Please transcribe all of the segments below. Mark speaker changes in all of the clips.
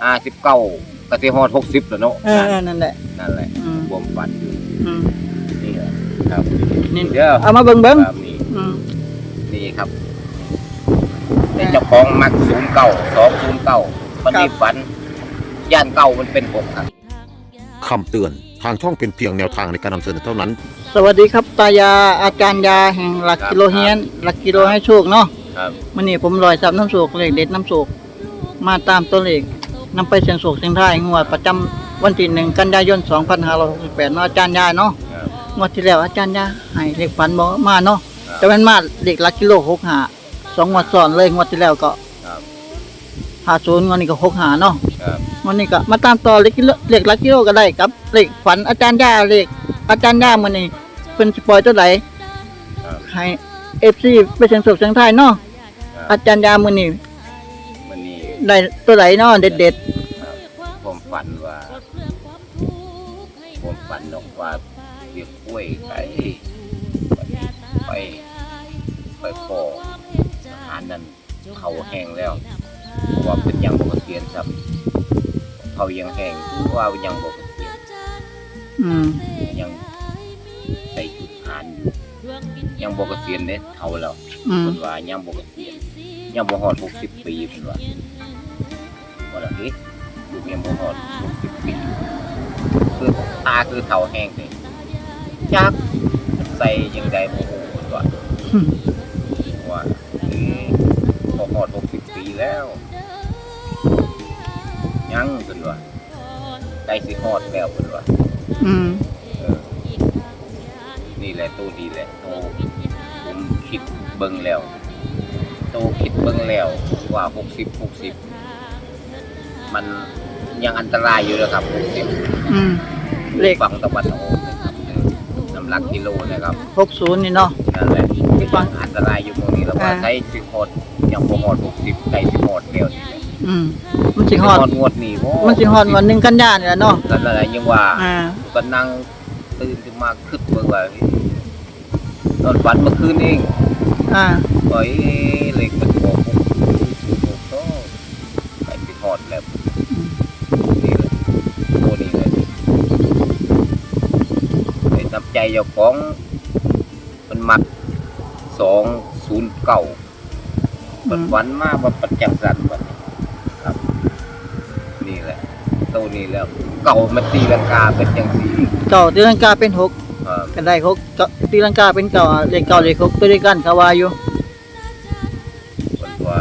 Speaker 1: 59ก็สิฮอด60แล้วเนาะ
Speaker 2: นั่นแหละ
Speaker 1: ความฝันอยู่นี่แหละครับ
Speaker 2: นี่เด้อเอามาเบิ่ง
Speaker 1: ครับนี่ครับแต่เจ้าของมัก209มันนี่ฝันย่านเก่ามันเป็น6ครับ
Speaker 3: คำเตือนทางช่องเป็นเพียงแนวทางในการนำเสนอเท่านั้น
Speaker 2: สวัสดีครับตายาอาจารย์ยาแห่งหลักกิโลเฮียนหลักกิโลให้โชคเนาะมื้อนี้ผมลอยซับน้ำโชคเลขเด็ดน้ำโชคมาตามตัวเลขนำไปเสี่ยงโชคเสี่ยงทายงวดประจำวันที่1กันยายน2568เนาะอาจารย์ยาเนาะงวดที่แล้วอาจารย์ยาให้เลขฝันบ่มาเนาะแต่มันมาเลขหลักกิโล65 2งวดซ้อนเลยงวดที่แล้วก็50งวดนี้ก็65เนาะวันนี้ก็มาตามต่อเลขหลักกิโลก็ได้ครับเลขฝันอาจารย์ยาเลขอาจารย์ยามื้อนี้เพิ่นสิปล่อยตัวใดให้ FC ไปเสี่ยงโชคเสี่ยงทายเนาะอาจารย์ยามื้อนี้ได้ตัวใดเนาะเด็ด
Speaker 1: ๆผมฝันว่าเรียกกล้วยไปขออาหารนั้นเขาแห้งแล้วว่าเป็นยังบ่เกษียณครับเขายังแห้งว่ายังบ่เกษียณยังใส่ชุดทหารอยู่ยังบ่เกษียณเด้เฒ่าแล้วเพิ่นว่ายังบ่เกษียณยังบ่ฮอด60ปีเพิ่นว่าล่ะเฮ้ยลูกยังบ่ฮอด60ปีคือตาคือเฒ่าแห้งเลยจักใส่จังได๋บ่ฮู้ว่าบ่ฮอด60ปีแล้วยังเพิ่นว่าใกล้สิฮอดแล้วเพิ่นว่านี่แหละตัวดีแหละโตผมคิดเบิ่งแล้วว่า60มันยังอันตรายอยู่นะครับ60เลขฝั่งตะวันออกนะครับน้ำหลักกิโลนะครับ
Speaker 2: 60นี่เนาะ
Speaker 1: นั่นแหละที่ฝั่งอันตรายอยู่ตรงนี้แล้วว่าใช้สิฮอดยังบ่ฮอด60ใกล้สิฮอดแล้ว
Speaker 2: มันสิฮอด
Speaker 1: งวดนี้
Speaker 2: มันสิฮอดวัน1กันยายนนี่แหละเนาะ
Speaker 1: นั่นแหละยังว่าก็นั่งตื่นขึ้นมาคิดเบิ่งว่าตอนฝันเมื่อคืนเองโอ้ยเลขมันบอก6ก็ใกล้สิฮอดแล้วนี่แหละโตนี่เลยไอ้น้ำใจเจ้าของมันมัก209มันฝันมาว่าประจักษ์สันบัดนี้ครับนี่แหละโตนี่แล้วเก่ามันตีลังกาเป็นจังซี่
Speaker 2: เก่าตีลังกาเป็น6ก็ได้6ตีลังกาเป็นเก่าเลขเก่าเลข6ตัวเดียวกันเขาว่าอยู่
Speaker 1: ว่า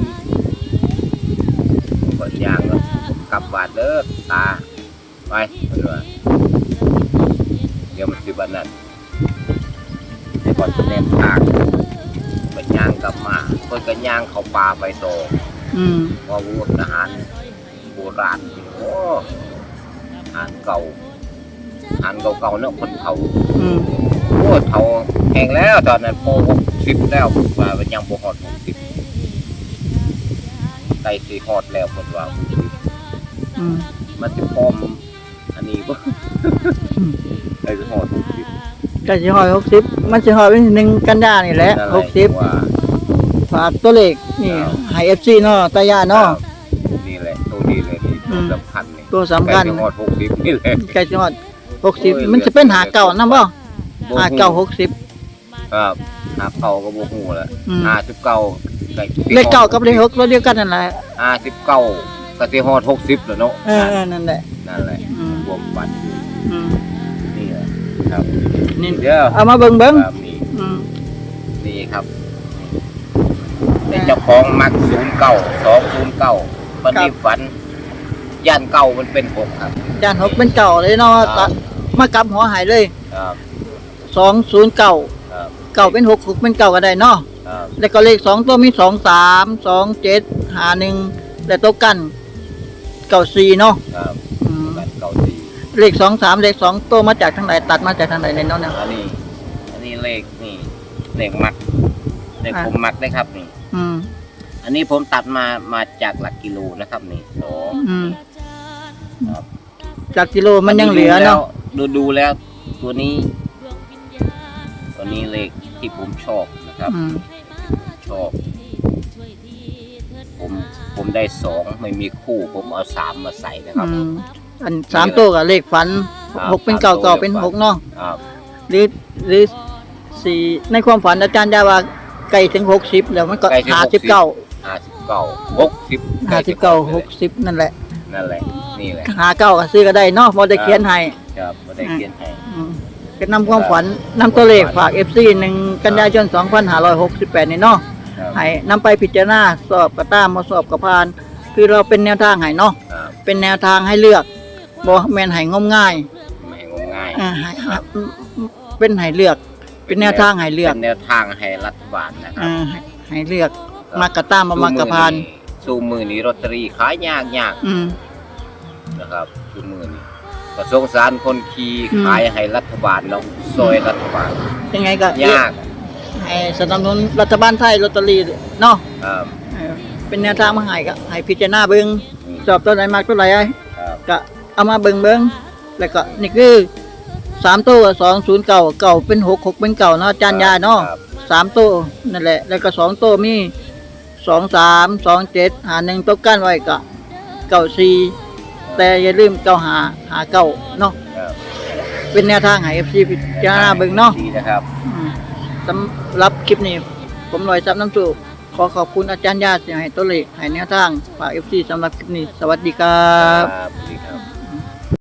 Speaker 1: บ่ย่างกลับบาดเด้อตาไปเพิ่นว่าเดี๋ยวมันสิบัดนั้นให้ก่อนแนมทางมันย่างกลับมาเพิ่นก็ย่างเข้าป่าไปโตว่าวูดทหารโบราณโอ้ทหารเก่าเนาะคนเขาโอ้เฒ่าแห้งแล้วตอนนั้นพอ60แล้วว่ามันยังบ่ฮอด60ใกล้สิฮอดแล้วเพิ่นว่ามันสิพร้อมอันนี้บ่ใกล้สิฮอด60
Speaker 2: ใกล้สิฮอด60มันสิฮอดวันที่1กันยายนนี่แหละ60ฝากตัวเลขนี่ให้ FC เนาะตายาเนาะ
Speaker 1: นี่แหละตัวนี้เลยนี่ตัวสำคัญนี่
Speaker 2: ตัวสำคัญ
Speaker 1: ใกล้สิฮอด60นี่แหละ
Speaker 2: ใกล้สิฮอด60มันสิเป็นหาเก่านำบ่59 60
Speaker 1: ครับหาเก่าก็บ่ฮู้แล้ว59
Speaker 2: เลขเก่ากับเลข6ตัวเดียวกันนั่นแหละ
Speaker 1: 59ก็สิฮอด60แล้วเนาะ
Speaker 2: นั่นแหละ
Speaker 1: ความฝันนี่แหละครับ
Speaker 2: นี่เดี๋ยวเอามาเบิ่ง
Speaker 1: ครับนี่ครับแต่เจ้าของมัก209มันนี่ฝันย่านเก่ามันเป็น6ครับ
Speaker 2: ย่าน6เป็นเก่าเลยเนาะมากลับหัวหายเลย
Speaker 1: ครับ
Speaker 2: 209เก่าเป็น6 6เป็นเก่าก็ได้เนาะแล้วก็เลข2ตัวมี23 27 51และตัวกัน94เนาะ
Speaker 1: ครับกัน94
Speaker 2: เลข23เลข2ตัวมาจากทางไหนตัดมาจากทางไหนในเนาะเนี่ย
Speaker 1: อันนี้เลขนี่เลขมักเลขผมมักได้ครับนี่อันนี้ผมตัดมาจากหลักกิโลนะครับนี่
Speaker 2: ครับจากกิโลมันยังเหลือเนาะ
Speaker 1: ดูแล้วตัวนี้เลขที่ผมชอบนะครับชอบผมได้2ไม่มีคู่ผมเอา3มาใส่นะครับ
Speaker 2: อัน3ตัวกับเลขฝัน
Speaker 1: ครับ
Speaker 2: 6เป็นเก่า
Speaker 1: 3
Speaker 2: เก่าเป็น6เนาะ
Speaker 1: ครับ
Speaker 2: หรือ4ในความฝันอาจารย์ยาว่าไกลถึง60แล้วมันก็
Speaker 1: ใกล้ถึง
Speaker 2: 59
Speaker 1: 59
Speaker 2: 60นั่นแหละ
Speaker 1: นั่นแหละนี่แหละ
Speaker 2: 59ก็ซื้อก็ได้เนาะบ่ได้เขียนให้
Speaker 1: ครับบ่ได้เขียนให้
Speaker 2: เป็นนำความฝันนำตัวเลขฝาก FC 1กันยายน2568นี่เนาะ
Speaker 1: ครับ
Speaker 2: ให้นำไปพิจารณาสอบก็ตามบ่สอบก็ผ่าน คือเราเป็นแนวทางให้เนาะ
Speaker 1: ครับ
Speaker 2: เป็นแนวทางให้เลือกบ่แม่นให้งมง่าย
Speaker 1: ไม่ให้งมง่าย
Speaker 2: เป็นให้เลือก เป็นแนวทางให้เลือก
Speaker 1: เป็นแนวทางให้รัฐบาลนะครับ
Speaker 2: ให้เลือกมากระตามบ่มากระพาน
Speaker 1: สู้มือนี้ลอตเตอรี่ขายยาก
Speaker 2: อืม
Speaker 1: นะครับสู้มือนี้ก็สงสารคนขี่
Speaker 2: อืม
Speaker 1: ขายให้รัฐบาลเนาะซอยรัฐบาล
Speaker 2: ยังไงก็
Speaker 1: ยาก
Speaker 2: ให้สนับสนุนรัฐบาลไทยลอตเตอรี่เนาะ
Speaker 1: ครับ
Speaker 2: เป็นแนวทางมาให้ก็ให้พิจารณาเบิ่ง
Speaker 1: อืม
Speaker 2: สอบตัวไหนมากตัวไหน
Speaker 1: ครับ
Speaker 2: ก็เอามาเบิ่งแล้วก็นี่คือ3ตัว209เก่าเป็น6 6เป็นเก่าเนาะอาจารย์ยาเนาะ
Speaker 1: ครับ
Speaker 2: 3ตัวนั่นแหละแล้วก็2ตัวมี23 27หา1ตัวกั้นไว้ก็94แต่อย่าลืม95หา9เนาะ
Speaker 1: ครับ
Speaker 2: เป็นแนวทางให้ FC พิจารณาเบิ่งเนาะ
Speaker 1: ดีนะครับ
Speaker 2: สำหรับคลิปนี้ผมลอยซับน้ำสูบขอขอบคุณอาจารย์ยาที่ให้ตัวเลขให้แนวทางฝาก FC สำหรับคลิปนี้สวัสดีครับ
Speaker 1: ครับดีครับ